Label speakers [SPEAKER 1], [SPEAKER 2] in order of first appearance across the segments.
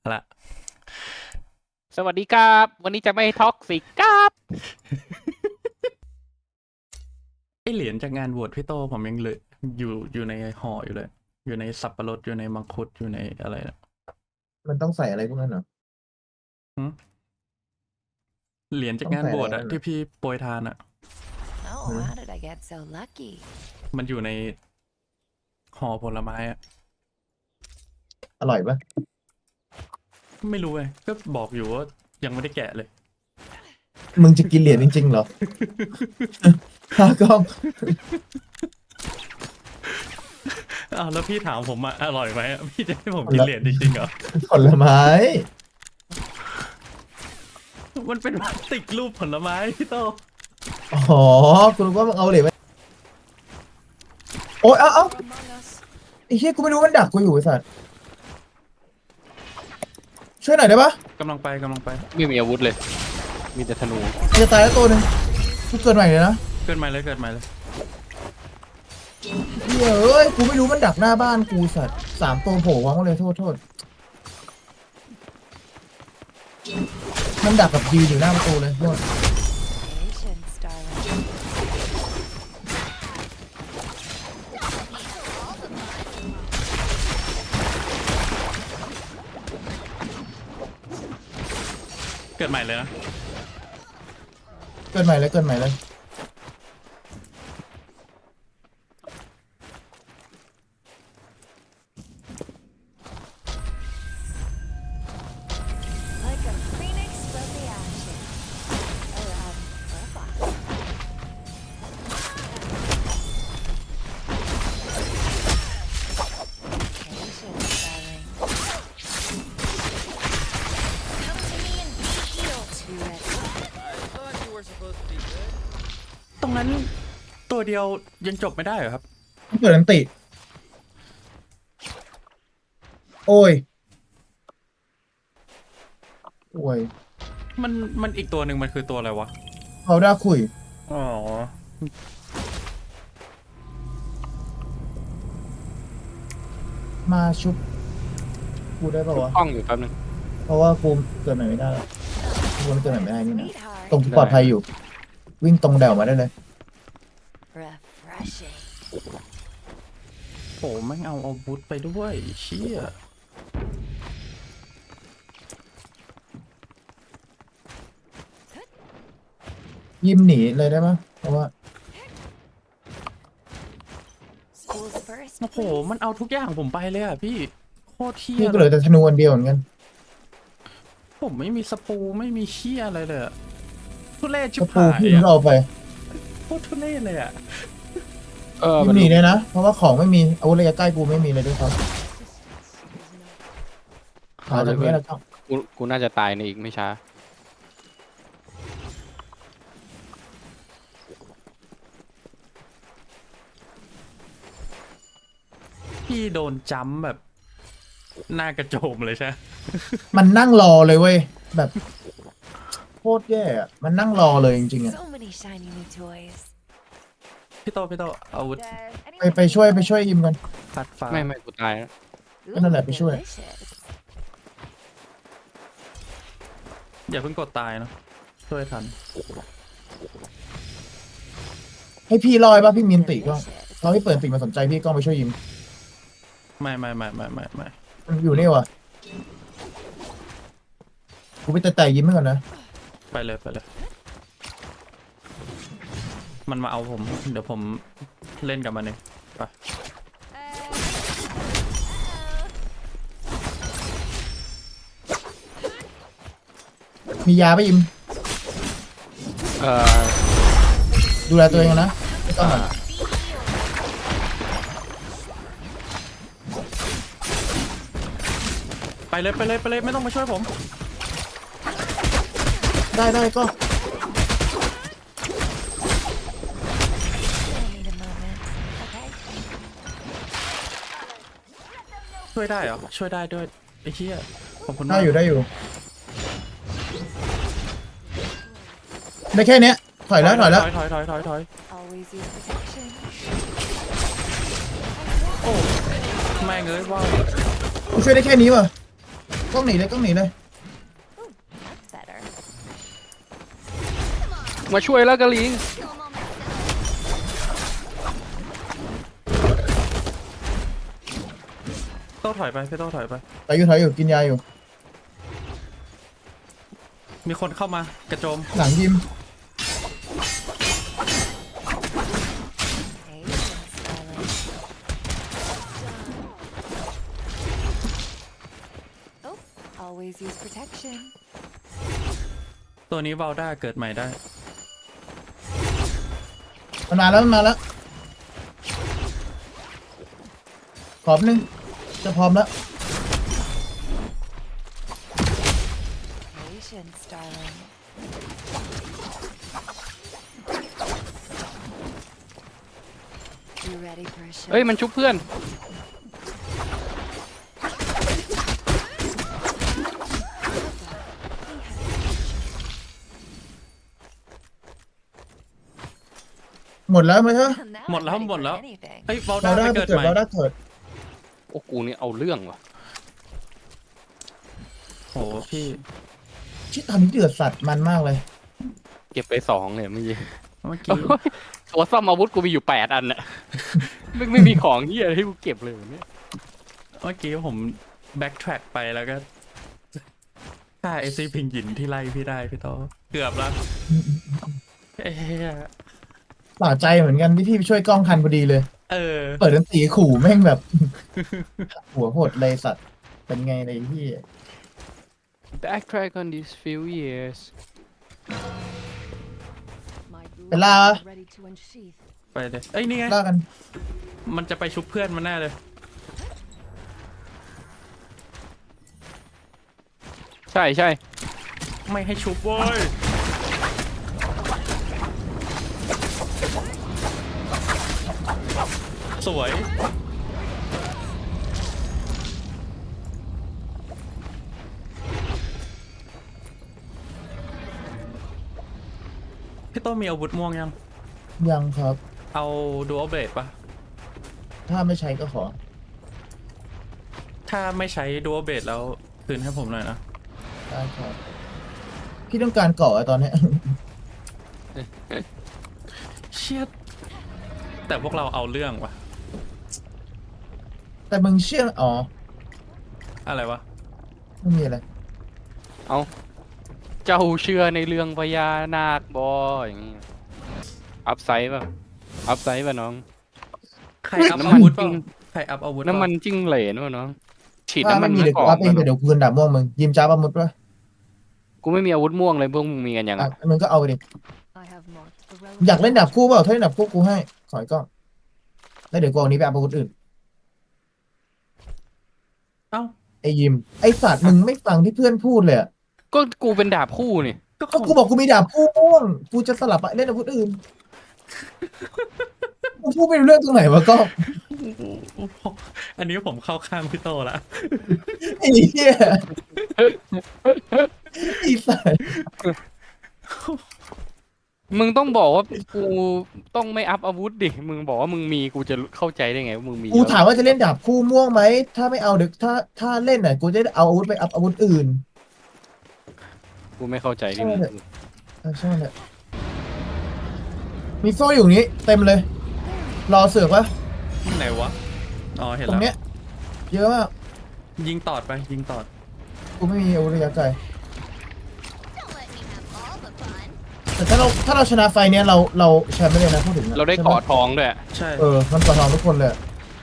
[SPEAKER 1] ละ
[SPEAKER 2] สวัสดีครับวันนี้จะไม่ท็อกซิกครับ
[SPEAKER 1] ไอเหรียญจากงานบวชพี่โตผมยังเหลืออยู่ในห่ออยู่เลย อยู่ในสับปะรดอยู่ในมังคุดอยู่ในอะไรนะ
[SPEAKER 3] มันต้องใส่อะไรพวกนั้นเหรอ
[SPEAKER 1] เหรียญจาก
[SPEAKER 3] ต้อง
[SPEAKER 1] งาน
[SPEAKER 3] ใส่
[SPEAKER 1] บ
[SPEAKER 3] อะไร
[SPEAKER 1] วชอะ
[SPEAKER 3] นั่น
[SPEAKER 1] ที่
[SPEAKER 3] น่ะ
[SPEAKER 1] พี่โปรยทานอะ
[SPEAKER 4] Oh,
[SPEAKER 3] Hmm.
[SPEAKER 4] how did I get so lucky?
[SPEAKER 1] มันอยู่ในห่อผลไม้อะ
[SPEAKER 3] อร่อยปะ
[SPEAKER 1] ไม่รู้เลยก็บอกอยู่ว่ายังไม่ได้แกะเลย
[SPEAKER 3] มึงจะกินเหรียญจริงๆเหรอ ฮะก็
[SPEAKER 1] อ้าวแล้วพี่ถามผมอะอร่อยไหมอะพี่จะให้ผมกินเหรียญจริงๆเหรอ
[SPEAKER 3] ผลไม้
[SPEAKER 1] มันเป็นพลาสติกรูปผลไม้พี่โต
[SPEAKER 3] อ๋อคุณรู้ว่ามึงเอาเหรียญไปโอ๊ยเอ้าไอ้เหี้ยกูไม่รู้มันดักกูอยู่ไอ้สัตว์ช่วยหน่อยได้ปะ
[SPEAKER 1] กำลังไป
[SPEAKER 2] ไม่มีอาวุธเลย มีแต่ธนู
[SPEAKER 3] มันจะตายแล้วตัวหนึ่งกูเกิดใหม่เลยนะ
[SPEAKER 1] เกิดใหม่เลย
[SPEAKER 3] เหี้ยเอ้ยกูไม่รู้มันดักหน้าบ้านกูสัตว์3 ตัวโผล่วางมาเลยโทษมันดักกับยืนอยู่หน้าประตูเลยโทษ
[SPEAKER 4] Patience, darling.
[SPEAKER 1] เกิดใหม่เลยนะ
[SPEAKER 3] เกิดใหม่เลย
[SPEAKER 4] Like a phoenix from the ashes. Or, or a fox. Patience, darling. Come to me and be healed. Too ready.
[SPEAKER 5] I thought you were supposed to be good.
[SPEAKER 1] ตรงนั้นตัวเดียวยังจบไม่ได้เหรอครับ
[SPEAKER 3] มันเกิดอันติ โอ้ย
[SPEAKER 1] มันอีกตัวหนึ่งมันคือตัวอะไรวะ
[SPEAKER 3] เขาได้คุย
[SPEAKER 1] อ๋อ
[SPEAKER 3] มาชุบกูได้ป่าวะ
[SPEAKER 2] กล้องอยู่แป๊บนึง
[SPEAKER 3] เพราะว่ากูเกิดใหม่ไม่ได้แล้วกูมันเกิดใหม่ไม่ได้นี่นะ
[SPEAKER 4] Sweetheart.
[SPEAKER 3] ตรงที่ปลอดภัยอยู่ วิ่งตรงแดวมาได้เลย
[SPEAKER 4] Refreshing.
[SPEAKER 1] โหแม่งเอาอาวุธไปด้วยเชี่ย
[SPEAKER 3] ยิ้มหนีเลยได้ปะเพราะว่า
[SPEAKER 4] School's first.
[SPEAKER 1] โอ้โห
[SPEAKER 4] please.
[SPEAKER 1] มันเอาทุกอย่างผมไปเลยอ่ะพี่โคตรเชี่ย
[SPEAKER 3] พี่ก็เหลือแต่ธนูอันเดียวเหมือนกัน
[SPEAKER 1] ผมไม่มีสปูไม่มีเชี่ยอะไรเลยอะทุเรศชิ
[SPEAKER 3] ก
[SPEAKER 1] บ
[SPEAKER 3] ระปู
[SPEAKER 1] หาย
[SPEAKER 3] พี่
[SPEAKER 1] อ่ะ
[SPEAKER 3] ก็เอาไป
[SPEAKER 1] โคตรทุเรศเลยอ่ะ
[SPEAKER 3] ยิ้มหนีเลยนะ เพราะว่าของไม่มีอาวุธระยะใกล้กูไม่มีเลยด้วยครับหาจากนี้แล้วก็
[SPEAKER 2] กูน่าจะตายในอีกไม่ช้า
[SPEAKER 1] พี่โดนจัมป์แบบหน้ากระโจมเลยใช่ไหม
[SPEAKER 3] มันนั่งรอเลยเว้ย แบบโคตรแย่อะมันนั่งรอเลยจริงๆอะ
[SPEAKER 4] So many shiny new toys.
[SPEAKER 1] พี่โตอาวุธ
[SPEAKER 3] ไปช่วยยิมกัน
[SPEAKER 1] พัดฟ้า
[SPEAKER 2] ไม่กูตายแล้ว
[SPEAKER 3] ก็นั่นแหละไปช่วย
[SPEAKER 4] delicious.
[SPEAKER 1] อย่าเพิ่งกดตายเนาะช่วยทัน
[SPEAKER 3] ให้พี่ลอยป่ะพี่มีนติก็
[SPEAKER 4] Delicious.
[SPEAKER 3] เราให้เปิดติมาสนใจพี่ก็ไปช่วยยิม
[SPEAKER 1] ไม่
[SPEAKER 3] มันอยู่นี่วะกูไปแต่ยิ้มให้ก่อนนะ
[SPEAKER 1] ไปเลยมันมาเอาผม เดี๋ยวผมเล่นกับมันเองไป
[SPEAKER 3] มียาป่ะยิม
[SPEAKER 2] เอ่อ
[SPEAKER 3] ดูแลตัวเองนะไม่ต้องอะ
[SPEAKER 1] ไปเลยไม่ต้องมาช่วยผม
[SPEAKER 3] ได้ก็
[SPEAKER 4] I need a moment. Okay.
[SPEAKER 1] ช่วยได้เหรอช่วยได้ด้วยไอ้เหี้ยขอบคุณ
[SPEAKER 3] ได้
[SPEAKER 1] มาก
[SPEAKER 3] อยู่ได้แค่เนี้ยถอยแล้ว
[SPEAKER 1] ถอย
[SPEAKER 4] Always use protection.
[SPEAKER 1] โอ้แม่งเอ้ยว่า
[SPEAKER 3] กูช่วยได้แค่นี้วะกล้องหนีเลยกล้องหนีเลย
[SPEAKER 4] Ooh, that's better.
[SPEAKER 2] มาช่วยแล้วกะลิง
[SPEAKER 4] Kill 'em all myself.
[SPEAKER 1] โต้ถอยไปพี่โต้ถอยไป
[SPEAKER 3] ถอยอยู่กินยาอยู่
[SPEAKER 1] มีคนเข้ามากระโจม
[SPEAKER 3] หลังยิม
[SPEAKER 4] Patience, darling. Oh, always use protection.
[SPEAKER 1] ตัวนี้วาลด้าเกิดใหม่ได้
[SPEAKER 3] มันมาแล้วขอบนึงจะพร้อมแล้ว
[SPEAKER 4] Patience, darling. You ready for a show?
[SPEAKER 2] เอ้ยมันชุบเพื่อน
[SPEAKER 3] หมดแล้วไหมเธอ
[SPEAKER 4] Now
[SPEAKER 1] หมด
[SPEAKER 4] I'm
[SPEAKER 1] แล้ว
[SPEAKER 4] ready
[SPEAKER 1] หมด
[SPEAKER 4] for
[SPEAKER 1] แล้ว
[SPEAKER 4] anything.
[SPEAKER 1] เอ้ยวาล
[SPEAKER 3] เรา
[SPEAKER 1] ด้า
[SPEAKER 3] ได้
[SPEAKER 1] ไป
[SPEAKER 3] ไป
[SPEAKER 1] เกิด
[SPEAKER 3] เกิด
[SPEAKER 1] ใหม่
[SPEAKER 3] เราได้เกิด
[SPEAKER 2] โอ้กูนี่เอาเรื่องว่ะ
[SPEAKER 1] โหพี่
[SPEAKER 3] ชิตอนนี้เดือดสัตว์มันมากเลย
[SPEAKER 2] เก็บไป2เนี่ยเมื่อกี้
[SPEAKER 1] เมื่อกี้
[SPEAKER 2] ตัวซ่อมอาวุธกูมีอยู่8 อันน่ะ ไม่มีของเหี้ยอะไรให้กูเก็บเลยวันนี้
[SPEAKER 1] เมื่อกี้ผมแบ็กแทร็กไปแล้วก็ฆ่าไอซีพิงหยินที่ไล่พี่ได้พี่โต้เกือบแล้วเอ้ย
[SPEAKER 3] ป่าใจเหมือนกันที่พี่ไปช่วยกล้องทันพอดีเลย
[SPEAKER 1] เออ
[SPEAKER 3] เปิดดนตรีขู่แม่งแบบ หัวโหดเลยสัตว์ เป็นไงเลยพี่
[SPEAKER 2] backtrack on these few years
[SPEAKER 4] My blade
[SPEAKER 3] เป็นล่า
[SPEAKER 4] is ready to unsheath.
[SPEAKER 1] ไปเลยเอ้ยนี่ไง
[SPEAKER 3] ล่ากัน
[SPEAKER 1] มันจะไปชุบเพื่อนมันแน่เลย
[SPEAKER 2] ใช่
[SPEAKER 1] ไม่ให้ชุบเว้ยสวย พี่โต้มีอาวุธม่วงยัง
[SPEAKER 3] ยังครับ
[SPEAKER 1] เอาดูอัลเบรดปะ
[SPEAKER 3] ถ้าไม่ใช้ก็ขอ
[SPEAKER 1] ถ้าไม่ใช้ดูอัลเบรดแล้วคืนให้ผมหน่อยนะ
[SPEAKER 3] ได้ครับ พี่ต้องการเกาะอะตอนเนี้ย
[SPEAKER 1] เชียดแต่พวกเราเอาเรื่องวะ
[SPEAKER 3] แต่มึงเชื่ออ๋อ
[SPEAKER 1] อะไรวะ
[SPEAKER 3] ไม่มีอะไร
[SPEAKER 2] เอาเจ้าเชื่อในเรื่องพญานาคบออย่างงี้อัพไซด์ป่ะน้อง
[SPEAKER 1] ใครอัพ
[SPEAKER 2] น้ำมัน
[SPEAKER 1] อาวุธ
[SPEAKER 2] จริ
[SPEAKER 1] เปล่าง ใครอัพอาวุธ
[SPEAKER 2] น้ำมันจิ้งเหลนป่ะน้องฉีด
[SPEAKER 3] ถ้า
[SPEAKER 2] น้ำมั
[SPEAKER 3] ไม่
[SPEAKER 2] น
[SPEAKER 3] มีเดี๋ยว
[SPEAKER 2] ก่
[SPEAKER 3] กู
[SPEAKER 2] อน
[SPEAKER 3] อัพเองแต่เดี๋ยวกูเดินดับม่วงมึง ยิมจ้าประมุดปะ
[SPEAKER 2] กูไม่มีอาวุธม่วงเลยพวกมึงมีกันยัง
[SPEAKER 3] อ่ะ
[SPEAKER 2] อะ
[SPEAKER 3] มึงก็เอาไปดิ
[SPEAKER 4] I have marked the
[SPEAKER 3] อยาก
[SPEAKER 4] relevant
[SPEAKER 3] เล่นดับคู่เปล่าถ้าเล่นดับคู่กูให้ขอยกล้องแล้วเดี๋ยวกูเอานี้ไปเอาอาวุธอื่น
[SPEAKER 1] เอ้า
[SPEAKER 3] ไอ้ยิม ไอ้สัตว์มึงไม่ฟังที่เพื่อนพูดเลยอะ
[SPEAKER 2] ก็กูเป็นดาบคู่นี่
[SPEAKER 1] ก็
[SPEAKER 3] ก็กูบอกกูมีดาบคู่ม่วง กูจะสลับไปเล่นอาวุธอื่น กูพูดไม่รู้เรื่องตรงไหนวะก็
[SPEAKER 1] อันนี้ผมเข้าข้างพี่โตละ
[SPEAKER 3] ไอ้เหี้ยไอ้สัตว์
[SPEAKER 2] มึงต้องบอกว่ากูต้องไม่อัพอาวุธดิมึงบอกว่ามึงมีกูจะเข้าใจได้ไงว่ามึงมี
[SPEAKER 3] กูถามว่าจะเล่นดาบคู่ม่วงไหม ถ้าไม่เอาเดี๋ยวถ้าเล่นน่ะ กูจะได้เอาอาวุธไปอัพอาวุธอื่น
[SPEAKER 2] กูไม่เข้าใจที่มึง
[SPEAKER 3] ใช่เลยมีโซ่อยู่นี้เต็มเลย รอเสือกวะ
[SPEAKER 1] ไหนวะ อ๋อ เห็น
[SPEAKER 3] ตร
[SPEAKER 1] แล้ว
[SPEAKER 3] งเนี้ย เยอะมาก
[SPEAKER 1] ยิงตอดไป ยิงตอด
[SPEAKER 3] กูไม่มีอาวุธระยะไกล
[SPEAKER 4] Don't let me have all the fun.
[SPEAKER 3] แต่ถ้าเราชนะไฟเนี้ยเราแชมป์ไม่เลยนะพูดถึงนะ
[SPEAKER 2] เราได้
[SPEAKER 3] ใช่หม
[SPEAKER 2] เกาะทองด้วย
[SPEAKER 1] ใช่
[SPEAKER 3] มันกอดทองทุกคนเลย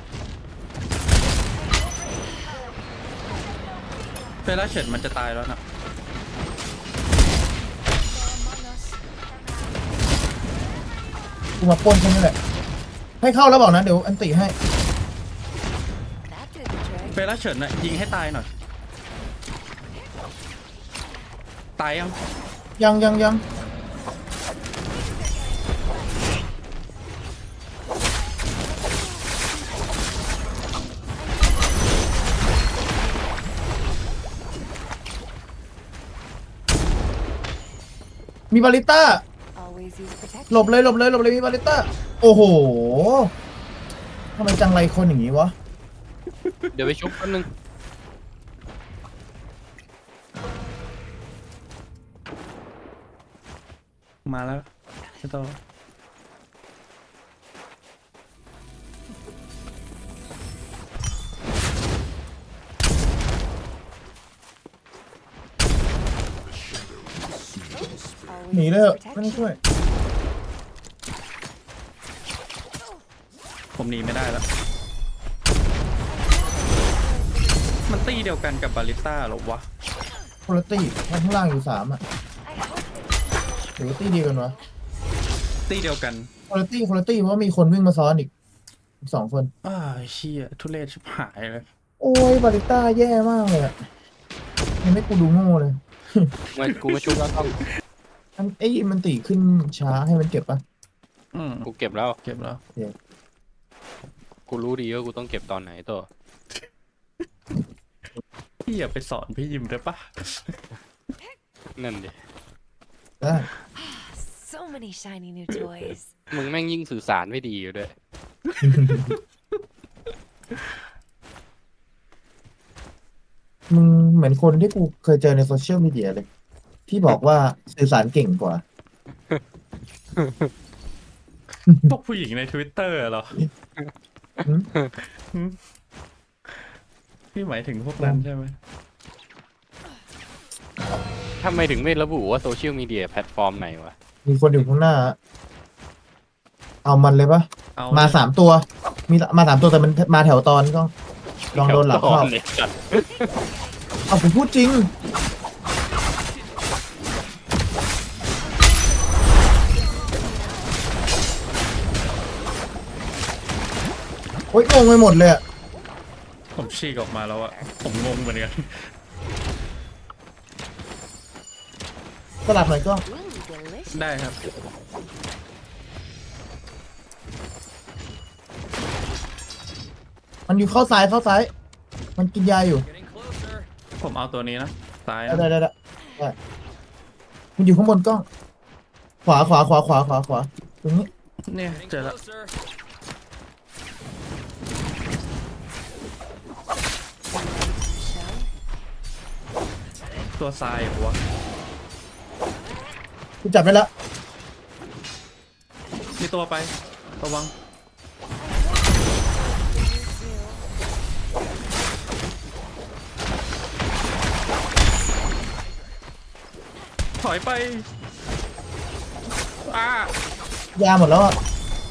[SPEAKER 1] เฟล่าเฉินมันจะตายแล้วนะ
[SPEAKER 4] Among us.
[SPEAKER 3] กูมาปล้นแค่นี้แหละ ให้เข้าแล้วบอกนะ เดี๋ยวอันติให้
[SPEAKER 4] That did the trick.
[SPEAKER 1] เฟล่าเฉินน่ะยิงให้ตายหน่อย ตายยัง
[SPEAKER 3] ยังมีบาริต้า
[SPEAKER 4] Always use protection.
[SPEAKER 3] หลบเลยมีบาริต้า โอ้โหทำไมจังไรคนอย่างนี้วะ
[SPEAKER 2] เดี๋ยวไปชุบแป๊บนึง
[SPEAKER 1] มาแล้วพี่โต
[SPEAKER 3] หนีเลยเหอะไม่ต้องช่วย
[SPEAKER 1] ผมหนีไม่ได้แล้ว มันตีเดียวกันกับบาริสต้าเหรอวะ
[SPEAKER 3] คุณภาพข้างล่างอยู่3อ่ะ
[SPEAKER 4] I hope
[SPEAKER 3] หรือว่าตีดีกันวะ
[SPEAKER 1] ตีเดียวกัน
[SPEAKER 3] คุณภาพเพราะว่ามีคนวิ่งมาซ้อนอีก2 คน
[SPEAKER 1] อ้าเชี่ยทุเรศชิบหายเลย
[SPEAKER 3] โอ้ยบาริต้าแย่มากเลยอะยังไม่กูดูโง่เลย
[SPEAKER 2] กูมาชุบแล้วต้อง
[SPEAKER 3] มันตีขึ้นช้าให้มันเก็บปะ
[SPEAKER 1] อืม
[SPEAKER 2] กูเก็บแล้ว
[SPEAKER 1] เก็บแล้ว
[SPEAKER 2] กูรู้ดีว่ากูต้องเก็บตอนไหนตัว
[SPEAKER 1] พี่อย่าไปสอนพี่ยิมได้ปะ
[SPEAKER 2] นั่นดิ
[SPEAKER 3] ได้
[SPEAKER 4] so many shiny new toys.
[SPEAKER 2] มึงแม่งยิ่งสื่อสารไม่ดีอยู่ด้วย
[SPEAKER 3] มึงเหมือนคนที่กูเคยเจอในโซเชียลมีเดียเลย ที่บอกว่าสื่อสารเก่งกว่า
[SPEAKER 1] พวกผู้หญิงใน Twitter เหรอ
[SPEAKER 3] หืม
[SPEAKER 1] หืมพี่หมายถึงพวกนั้นใช่ไหม
[SPEAKER 2] ทำไมถึงไม่ระบุว่าโซเชียลมีเดียแพลตฟอร์มไหนวะ
[SPEAKER 3] มีคนอยู่ข้างหน้า เอามันเลยปะ
[SPEAKER 1] เอา
[SPEAKER 3] มา3 ตัว มา3 ตัวแต่มันมาแถวตอนก็ลองโดนหลังเข้า
[SPEAKER 2] เนี่ยจัด
[SPEAKER 3] เอาผมพูดจริง โอ๊ยงงไปหมดเลยอะ
[SPEAKER 1] ผมฉีกออกมาแล้วอะผมงงเหมือนกัน
[SPEAKER 3] สลับหน่อยก็
[SPEAKER 4] Ooh, delicious.
[SPEAKER 1] ได้ครับ
[SPEAKER 3] มันอยู่เข้าซ้าย มันกินยาอยู่
[SPEAKER 5] Getting closer.
[SPEAKER 1] ผมเอาตัวนี้นะซ้าย
[SPEAKER 3] ได้
[SPEAKER 1] นะ
[SPEAKER 3] ได้มันอยู่ข้างบนกล้อง ขวาตรงนี้
[SPEAKER 1] เนี่ย
[SPEAKER 5] Getting
[SPEAKER 1] เจอแล้ว
[SPEAKER 5] closer.
[SPEAKER 4] Shall
[SPEAKER 1] ตัวซ้ายเหรอวะ
[SPEAKER 3] กูจับได้แล้ว
[SPEAKER 1] มีตัวไประวัง ถอยไปอ้าย
[SPEAKER 3] าหมดแล้วอ่ะ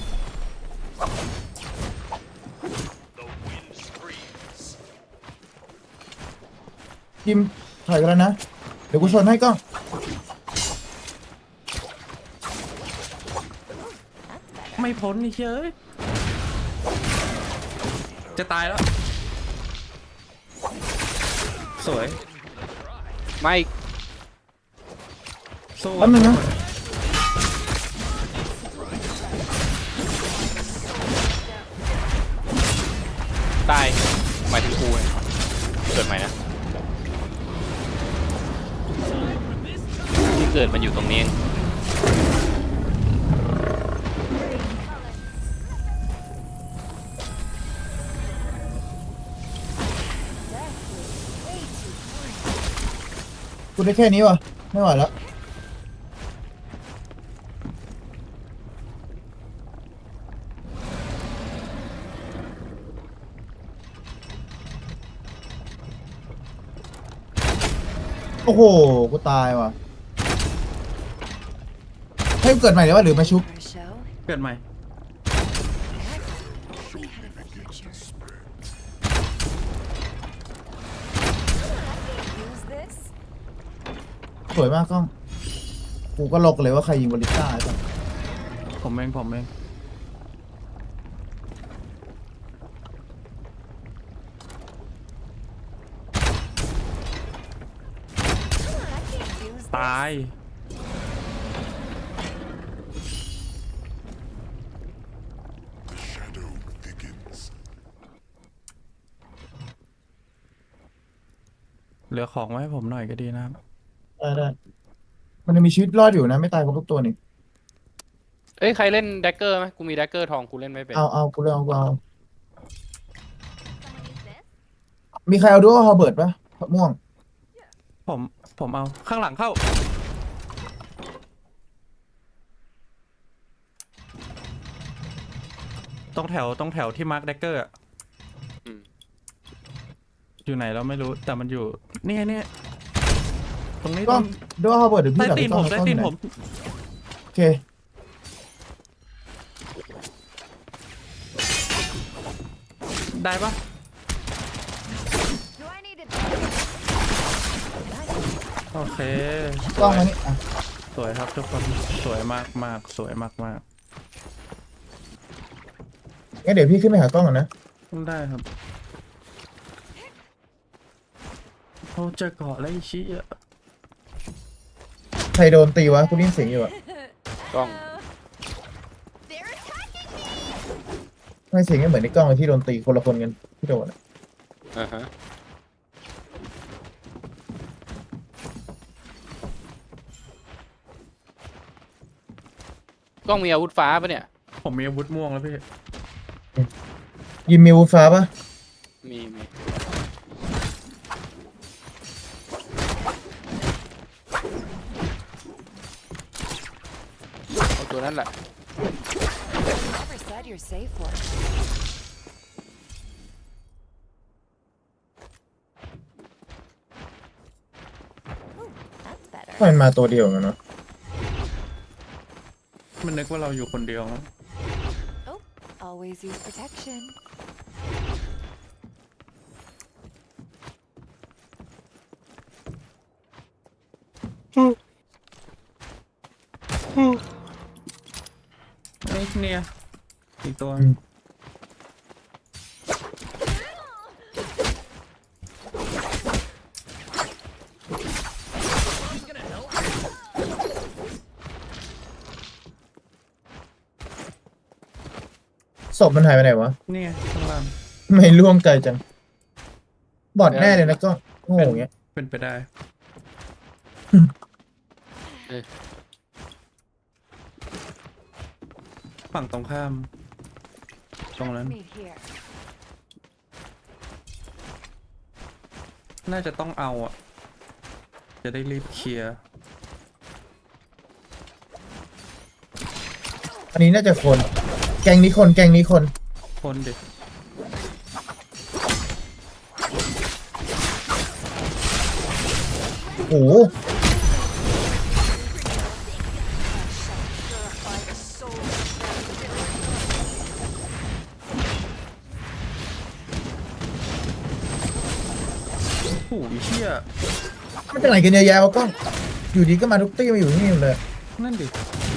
[SPEAKER 3] ยิมถอยกันแล้วนะ เดี๋ยวกูชนให้กล้อง
[SPEAKER 1] ไม่พ้นนี่เฮ้ยจะตายแล้ว สวย
[SPEAKER 2] ไม่
[SPEAKER 1] สู้
[SPEAKER 3] แป๊บนึงนะ
[SPEAKER 2] ตายหมายถึงกูเนี่ยเกิดใหม่นะที่เกิดมันอยู่ตรงนี้เอง
[SPEAKER 3] กูได้แค่นี้วะไม่ไหวแล้ว โอ้โห กูตายว่ะ ให้กูเกิดใหม่เลยวะหรือมาชุบ
[SPEAKER 4] for a show?
[SPEAKER 1] เกิดใหม่
[SPEAKER 4] We had a future. Use this.
[SPEAKER 3] สวยมากกล้อง กูก็ลกเลยว่าใครยิงบอลลิต้าไอ้สัส
[SPEAKER 1] ผมเอง
[SPEAKER 4] Use
[SPEAKER 1] ตาย เหลือของไว้ให้ผมหน่อยก็ดีนะครับ
[SPEAKER 3] ได้ มันยังมีชีวิตรอดอยู่นะ ไม่ตายครบทุกตัวนี่
[SPEAKER 2] เอ้ยใครเล่นแดกเกอร์ไหมกูมีแดกเกอร์ทองกูเล่นไม่เป็น
[SPEAKER 3] เอากูเลยเอา มีใครเอาดูว่าฮอเบิร์ตปะม่วง
[SPEAKER 1] ผมเอาข้างหลังเข้าตรงแถวที่มาร์คแดกเกอร์
[SPEAKER 2] อืม
[SPEAKER 1] อยู่ไหนเราไม่รู้แต่มันอยู่เนี่ยตรงนี้
[SPEAKER 3] ก
[SPEAKER 1] ต
[SPEAKER 3] ล้
[SPEAKER 1] ร
[SPEAKER 3] อง
[SPEAKER 1] ง
[SPEAKER 3] ด้วยระเบิดเดี๋ยวพี่
[SPEAKER 1] ใต้
[SPEAKER 3] ดับ
[SPEAKER 1] ตีนผม
[SPEAKER 3] กล้
[SPEAKER 1] ใต้
[SPEAKER 3] อง
[SPEAKER 1] ตีน
[SPEAKER 3] กล้
[SPEAKER 1] ผ
[SPEAKER 3] อง
[SPEAKER 1] ม
[SPEAKER 3] โอเค
[SPEAKER 1] ได้ปะ
[SPEAKER 4] Do I need to?
[SPEAKER 1] โอเค
[SPEAKER 3] กล้องมานี่อ่ะ
[SPEAKER 1] สวยครับทุกคนสวยมากสวยมาก
[SPEAKER 3] งั้นเดี๋ยวพี่ขึ้นไปหากล้องก่อนนะ
[SPEAKER 1] ได้ครับโอ้เจอเกาะแล้วไอ้ชี้อ่ะ
[SPEAKER 3] ใครโดนตีวะกูได้ยินเสียงอยู่อะ
[SPEAKER 2] กล้อง
[SPEAKER 4] They're attacking me.
[SPEAKER 3] ไม่เสียงไม่เหมือนในกล้องเลยที่โดนตีคนละคนกันที่โดนอะ
[SPEAKER 2] อ่าฮะกล้องมีอาวุธฟ้าปะเนี่ย
[SPEAKER 1] ผมมีอาวุธม่วงแล้วพี่
[SPEAKER 3] ยิมมีวูดฟ้าปะ
[SPEAKER 2] มีเอาตัวนั้นแหละ
[SPEAKER 4] Never said you're safe for. That's better.
[SPEAKER 3] มันมาตัวเดียวกันเนาะ
[SPEAKER 1] มันนึกว่าเราอยู่คนเดียวมั้ง
[SPEAKER 4] Always use protection.
[SPEAKER 1] ไอ้เนี่ยอีกตัว
[SPEAKER 3] ศพมันหายไปไหนวะ
[SPEAKER 1] เนี่ยข้างล่าง
[SPEAKER 3] ไม่ล่วงไกลจัง บอดแน่เลยนะกล้องโง่อย่างเงี้ย
[SPEAKER 1] เป็นไปได้ ฝั่งตรงข้าม ตรงนั้น
[SPEAKER 4] Meet here.
[SPEAKER 1] น่าจะต้องเอาอ่ะ จะได้รีบเคลียร์
[SPEAKER 3] อันนี้น่าจะคน แกงนี้คน
[SPEAKER 1] คนเด็ก
[SPEAKER 3] โอ้โห
[SPEAKER 1] โอ้โหเชี่ย
[SPEAKER 3] มันเป็นอะไรกันเยอะแยะวะกล้อง อยู่ดีก็มาทุกตี้มาอยู่ที่นี่หมดเลย
[SPEAKER 1] นั่นดิ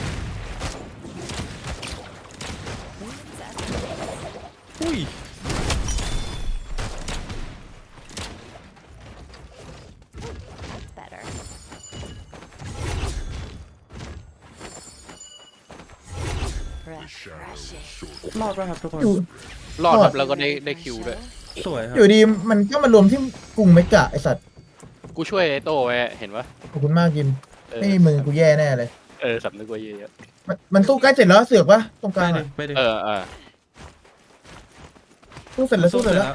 [SPEAKER 1] อุ้ย
[SPEAKER 4] That's better. Refreshing.
[SPEAKER 1] รอดป่ะครับทุกคน
[SPEAKER 3] อยู่
[SPEAKER 2] รอดครับแล้วก็ได้คิวด้วย
[SPEAKER 1] สวยครับ
[SPEAKER 3] อยู่ดีมันก็มารวมที่กรุงเมกะไอสัตว์
[SPEAKER 2] กูช่วยไอ้โต้ไว้เห็นปะ
[SPEAKER 3] ขอบคุณมากยิม
[SPEAKER 2] เออ
[SPEAKER 3] ไม่มีมือกูแย่แน่เลย
[SPEAKER 2] สำนึกไว้เยอะ
[SPEAKER 3] มันสู้ใกล้เสร็จแล้วเสือกปะตรงก
[SPEAKER 1] ไป
[SPEAKER 3] ลาง
[SPEAKER 1] ดิ
[SPEAKER 3] อะ
[SPEAKER 1] ไปดิ
[SPEAKER 2] ๆเออ
[SPEAKER 3] สู้เสร็จแล้วสู้เสร็จแล้ว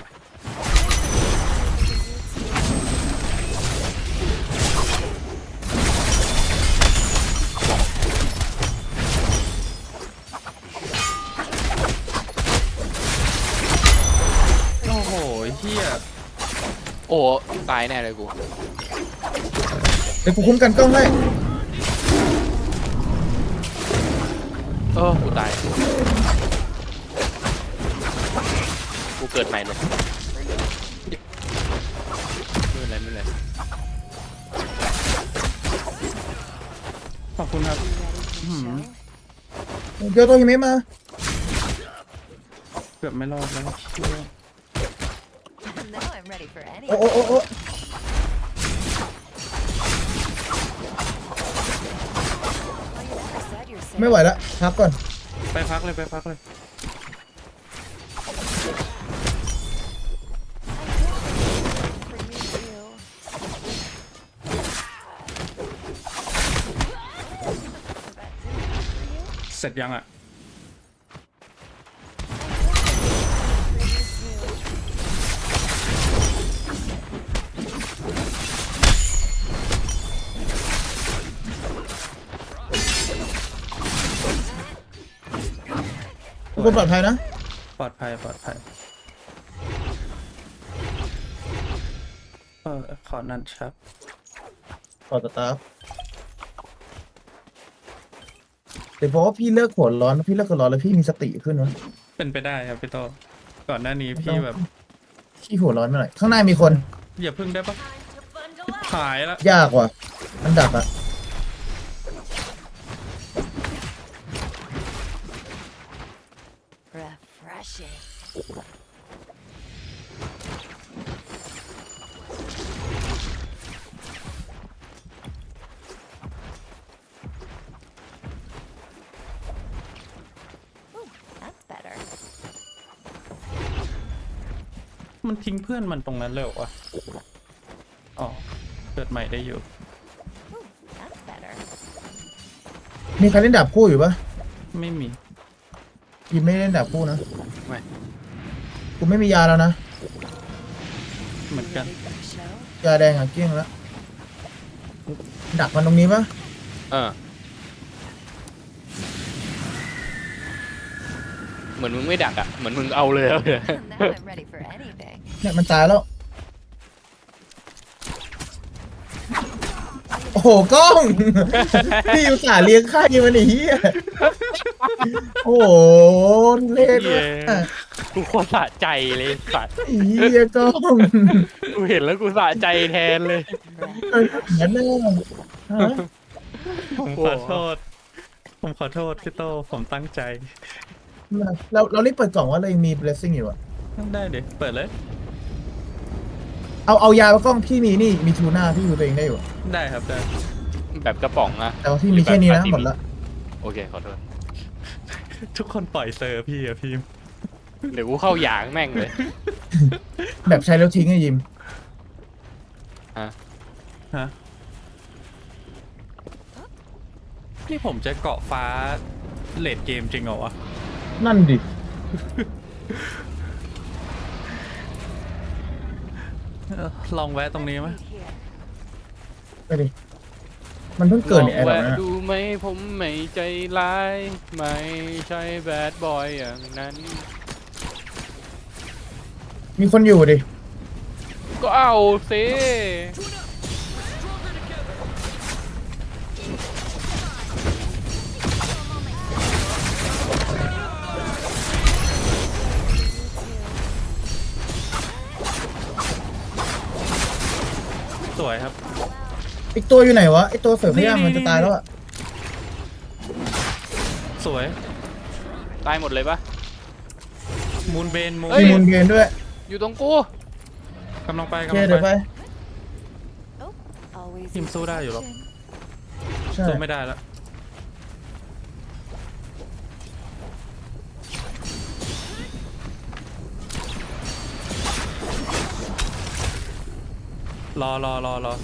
[SPEAKER 1] โอ้โหเฮีย
[SPEAKER 2] โอ้ตายแน่เลยกู
[SPEAKER 3] เดี๋ยวกูคุ้มกันกล้องให้
[SPEAKER 2] กูตาย กูเกิดใหม่เลยไม่เป็นไร
[SPEAKER 1] ขอบคุณครับ
[SPEAKER 3] เดี๋ยวตัวหิมะมา
[SPEAKER 1] เกือบไม่รอดแล้วเชี่ย
[SPEAKER 4] Now I'm ready for any.
[SPEAKER 3] โอ้โอ้โอ้โอ้
[SPEAKER 4] Oh, you never said you're safe.
[SPEAKER 3] ไม่ไหวแล้วพักก่อน
[SPEAKER 1] ไปพักเลยไปพักเลย
[SPEAKER 4] For you too.
[SPEAKER 1] เสร็จยังอ่ะ
[SPEAKER 3] ทุกคนปลอดภัยนะ
[SPEAKER 1] ปลอดภัยปลอดภัยขอนั่นครับ
[SPEAKER 3] ขอสตาร์ฟแต่เพราะว่าพี่เลิกหัวร้อนพี่เลิกหัวร้อนแล้วพี่มีสติขึ้นวะ
[SPEAKER 1] เป็นไปได้ครับพี่โตก่อนหน้านี้พี่แบบ
[SPEAKER 3] พี่หัวร้อนมาหน่อยข้างหน้ามีคน
[SPEAKER 1] อย่าพึ่งได้ปะ
[SPEAKER 4] Time to bundle up.
[SPEAKER 1] หายละ
[SPEAKER 3] ยากว่ะมันดักอะ
[SPEAKER 4] Refreshing. Ooh, that's better.
[SPEAKER 1] มันทิ้งเพื่อนมันตรงนั้นเลยเหรอวะอ๋อเกิดใหม่ได้อยู่
[SPEAKER 4] Ooh, that's better.
[SPEAKER 3] มีใครเล่นดาบคู่อยู่ปะ
[SPEAKER 1] ไม่มี
[SPEAKER 3] ยิมไม่ได้เล่นดาบคู่นะ
[SPEAKER 2] ไม่
[SPEAKER 3] กูไม่มียาแล้วนะ
[SPEAKER 1] เหมือนกัน
[SPEAKER 4] Ready for the show?
[SPEAKER 3] ยาแดงอะเกลี้ยงแล้วดักมันตรงนี้ปะ
[SPEAKER 2] เหมือนมึงไม่ดักอ่ะเหมือนมึงเอาเลยอะ
[SPEAKER 4] Now I'm ready for anything.
[SPEAKER 3] เนี่ยมันตายแล้ว โอ้โหกล้อง พี่อุตส่าห์เลี้ยงไข่มันไอ้เหี้ยโอ้โหเล่น
[SPEAKER 2] เย้กูโคตรสะใจเลยสัตว์
[SPEAKER 3] ไอ้เหี้ยกล้อง
[SPEAKER 2] กูเห็นแล้วกูสะใจแทนเลย
[SPEAKER 3] งั้นแน่ฮะ
[SPEAKER 1] ผมขอโทษ ผมขอโทษพี่โตผมตั้งใจ
[SPEAKER 3] เรารีบเปิดกล่องว่าเรายังมี blessing อยู่อะ
[SPEAKER 1] ได้เดี๋ยวเปิดเลย
[SPEAKER 3] เอายามากล้องพี่มีนี่มีทูน่าพี่ดูตัวเองได้อยู่อะ
[SPEAKER 1] ได้ครับได้
[SPEAKER 2] แบบกระป๋องอะ
[SPEAKER 3] แต่ว่าพี่มีแค่นี้นะหมดละ
[SPEAKER 2] โอเคขอโทษ
[SPEAKER 1] ทุกคนปล่อยเซอร์พี่อะพี่
[SPEAKER 2] เดี๋ยวกูเข้าหยางแม่งเลย
[SPEAKER 3] แบบใช้แล้วทิ้งไอ้ยิม
[SPEAKER 1] ฮะนี่ผมจะเกาะฟ้าเลดเกมจริงเหรอวะ
[SPEAKER 3] นั่นดิ
[SPEAKER 1] ลองแวะตรงนี้ไหม
[SPEAKER 4] Right here.
[SPEAKER 3] ไปดิมันเพิ่งเกิดใน
[SPEAKER 2] ล
[SPEAKER 3] แอ
[SPEAKER 2] อง
[SPEAKER 3] ร์หรอ
[SPEAKER 2] แวะ
[SPEAKER 3] นะ
[SPEAKER 2] ดูไหมผมไม่ใจร้าย ไม่ใช่แบดบอยอย่างนั้น
[SPEAKER 3] มีคนอยู่ดิ
[SPEAKER 2] ก็เอาสิ
[SPEAKER 1] สวยครับ
[SPEAKER 3] อีกตัวอยู่ไหนวะไอตัวเสือพยางมันจะตายแล้วอะ
[SPEAKER 1] สวย
[SPEAKER 2] ตายหมดเลยปะ
[SPEAKER 1] มูนเบนมูน
[SPEAKER 2] เฮ้
[SPEAKER 3] มี
[SPEAKER 2] ย
[SPEAKER 3] มูลเกนด้วย
[SPEAKER 2] อยู่ตรงกู
[SPEAKER 1] กำลังไป
[SPEAKER 3] โอเค
[SPEAKER 1] กำลัง
[SPEAKER 3] เดี๋ยว
[SPEAKER 1] ไป
[SPEAKER 3] ไป
[SPEAKER 4] Oh, always.
[SPEAKER 1] ทีมสู้ได้อยู่หรอก
[SPEAKER 3] ใช่
[SPEAKER 1] สู้ไม่ได้แล้วรอ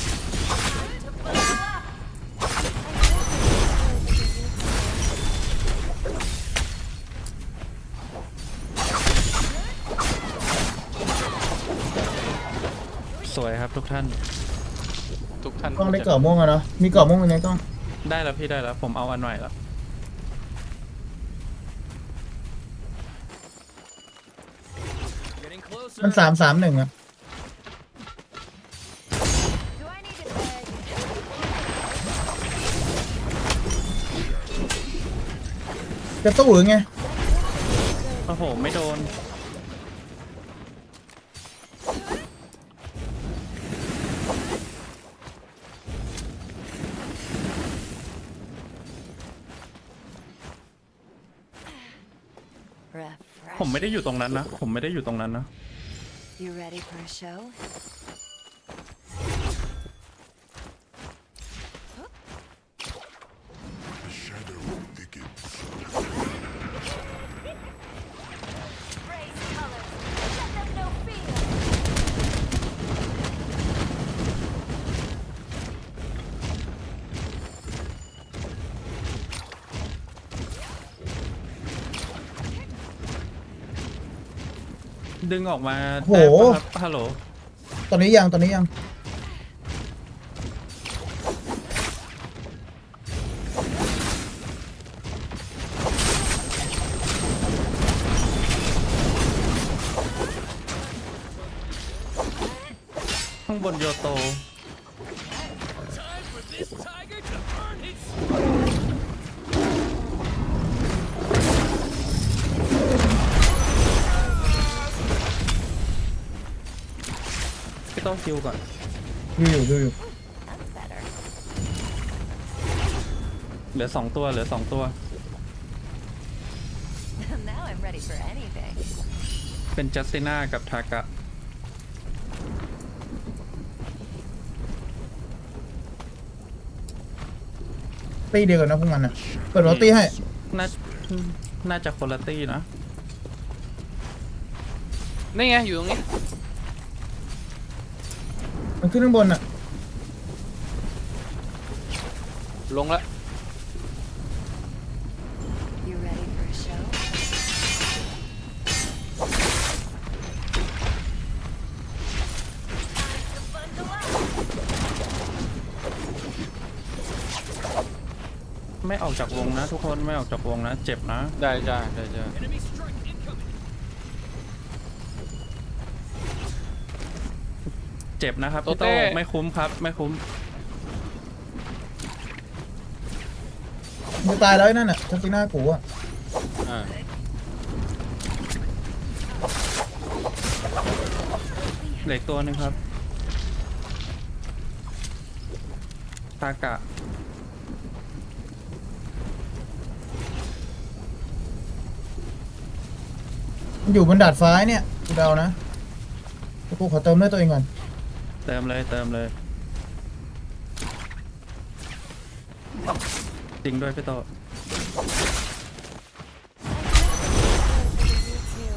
[SPEAKER 1] สวยครับทุกท่าน
[SPEAKER 2] ทุกท่าน
[SPEAKER 3] กล้องได้เกาะม่วงอะเนาะมีเกาะม่วงยังไงกล้อง
[SPEAKER 1] ได้แล้วพี่ได้แล้ว ผมเอาอันใหม่แล้ว
[SPEAKER 5] Getting closer.
[SPEAKER 3] มัน3-3-1อะ
[SPEAKER 4] Do I need to beg?
[SPEAKER 3] จะสู้หรือไง
[SPEAKER 1] โอ้โห ไม่โดน
[SPEAKER 4] Refresh.
[SPEAKER 1] ผมไม่ได้อยู่ตรงนั้นนะ ผมไม่ได้อยู่ตรงนั้นนะ
[SPEAKER 4] You ready for a show? Raise colors. Let them know fear.
[SPEAKER 1] ดึงออกมา
[SPEAKER 3] โอ้โห
[SPEAKER 1] ได้ปะครับฮัลโหล
[SPEAKER 3] ตอนนี้ยัง
[SPEAKER 1] ข้างบนโยโต
[SPEAKER 5] Time for this tiger to earn his.
[SPEAKER 1] พี่ต้องคิวก่อน
[SPEAKER 3] ดูอยู่
[SPEAKER 4] That's better.
[SPEAKER 1] เหลือ 2 ตัวเหลือ 2 ตัว
[SPEAKER 4] Now I'm ready for anything.
[SPEAKER 1] เป็นจัสติน่ากับทากะ
[SPEAKER 3] ตีเดียวกันนะพวกมันนะเปิดรถตีให้
[SPEAKER 1] น่าน่าจะคนละตี้นะ
[SPEAKER 2] นี่ไงอยู่ตรงนี้
[SPEAKER 3] มันขึ้นข้างบนอ่ะ
[SPEAKER 2] ลงละ
[SPEAKER 4] You ready for a show?
[SPEAKER 1] ไม่ออกจากวงนะทุกคนไม่ออกจากวงนะ เจ็บนะ
[SPEAKER 2] ได้จ้า
[SPEAKER 5] Enemy strike incoming.
[SPEAKER 1] เจ็บนะครับพี่
[SPEAKER 2] โตเต้
[SPEAKER 1] โตไม่คุ้มครับไม่คุ้ม
[SPEAKER 3] มันจะตายแล้วไอ้นั่นอ่ะทัศน่ากูอ่ะ
[SPEAKER 2] อ่า
[SPEAKER 1] เหล็กตัวหนึงครับทากะ
[SPEAKER 3] มันอยู่บนดาดฟ้าเนี่ยกูเดานะแต่กูขอเติมเลือดตัวเองก่อน
[SPEAKER 1] เติมเลยเติมเลย จริงด้วยพี่โต
[SPEAKER 4] You too.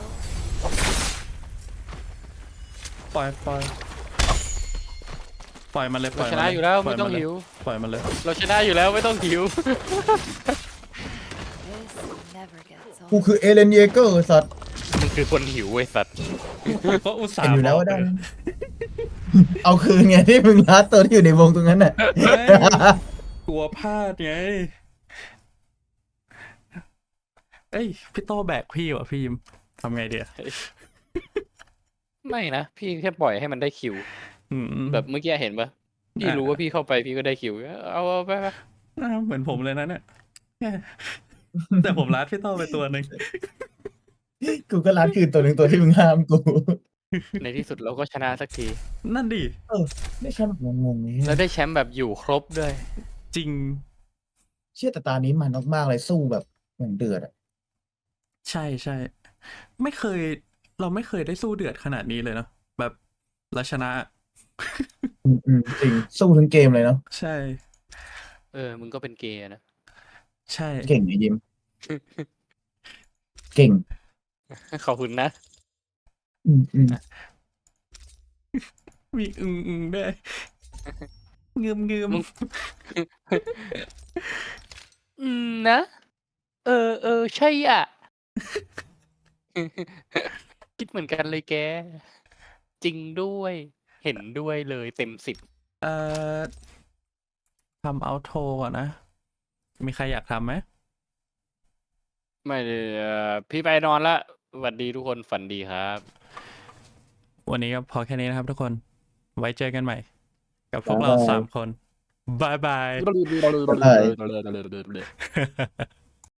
[SPEAKER 1] ปล่อยปล่อยปล่อยมันเลยป
[SPEAKER 2] เรา
[SPEAKER 1] ล่อย
[SPEAKER 2] ช
[SPEAKER 1] มัน
[SPEAKER 2] นะ
[SPEAKER 1] เลย
[SPEAKER 2] อยู่แล้ว
[SPEAKER 1] ปล่
[SPEAKER 2] ไม่ต้อง
[SPEAKER 1] นเลย
[SPEAKER 2] หิว
[SPEAKER 1] ปล่อยมันเลย
[SPEAKER 2] เราชนะอยู่แล้วไม่ต้องหิว
[SPEAKER 4] This never gets
[SPEAKER 3] กู
[SPEAKER 4] old.
[SPEAKER 3] คือเอเลนเยเกอร์สัตว์
[SPEAKER 2] มันคือคนหิวเว้ยสัตว์
[SPEAKER 1] ก็อุตส่า
[SPEAKER 3] เห็น
[SPEAKER 1] ห์
[SPEAKER 3] อยู่แล้วว่า
[SPEAKER 1] บ
[SPEAKER 3] ได้
[SPEAKER 1] อกเลย
[SPEAKER 3] เอาคืนไงที่มึงลัดตัวที่อยู่ในวงตรงนั้นน่ะ
[SPEAKER 1] ไม่กลัวพลาดไงเอ้ยพี่โตแบกพี่ว่ะพี่ยิมทำไงเดีย
[SPEAKER 2] ไม่นะ พี่แค่ปล่อยให้มันได้คิว
[SPEAKER 1] อืม
[SPEAKER 2] แบบเมื่อกี้เห็นปะพี่รู้ว่าพี่เข้าไปพี่ก็ได้คิว เอาไปไป
[SPEAKER 1] เหมือนผมเลยนะเนี่ย แต่ผมรัดพี่โตไปตัวหนึ่ง
[SPEAKER 3] กูก็ลัดคืนตัวหนึ่งตัวที่มึงห้ามกู
[SPEAKER 2] ในที่สุดเราก็ชนะสักที
[SPEAKER 1] นั่นดิ
[SPEAKER 3] ไม่ใช่แบบงงๆนี้
[SPEAKER 2] แล้วได้แชมป์แบบอยู่ครบด้วย
[SPEAKER 1] จริง
[SPEAKER 3] เชื่อแต่ตานี้มันมากๆเลยสู้แบบอย่างเดือดอ่ะ
[SPEAKER 1] ใช่ใช่ไม่เคย เราไม่เคยได้สู้เดือดขนาดนี้เลยเนาะแบบเราชนะ
[SPEAKER 3] จริงสู้ทั้งเกมเลยเนาะ
[SPEAKER 1] ใช่
[SPEAKER 2] มึงก็เป็นเกย์นะ
[SPEAKER 1] ใช่
[SPEAKER 3] เก่งไอ้ยิม เก่ง
[SPEAKER 2] ขอบคุณนะ
[SPEAKER 3] อืม
[SPEAKER 1] มีอึงด้วยงืม
[SPEAKER 2] มึง นะ ใช่อ่ะ คิดเหมือนกันเลยแก จริงด้วย เห็นด้วยเลยเต็ม10
[SPEAKER 1] เอ่อทำเอาโทก่อนนะ มีใครอยากทำไหม
[SPEAKER 2] ไม่เลยพี่ไปนอนละสวัสดีทุกคนฝันดีครับ
[SPEAKER 1] วันนี้ก็พอแค่นี้นะครับทุกคน ไว้เจอกันใหม่ กับพวกเรา3 คนบายบาย
[SPEAKER 3] ๆ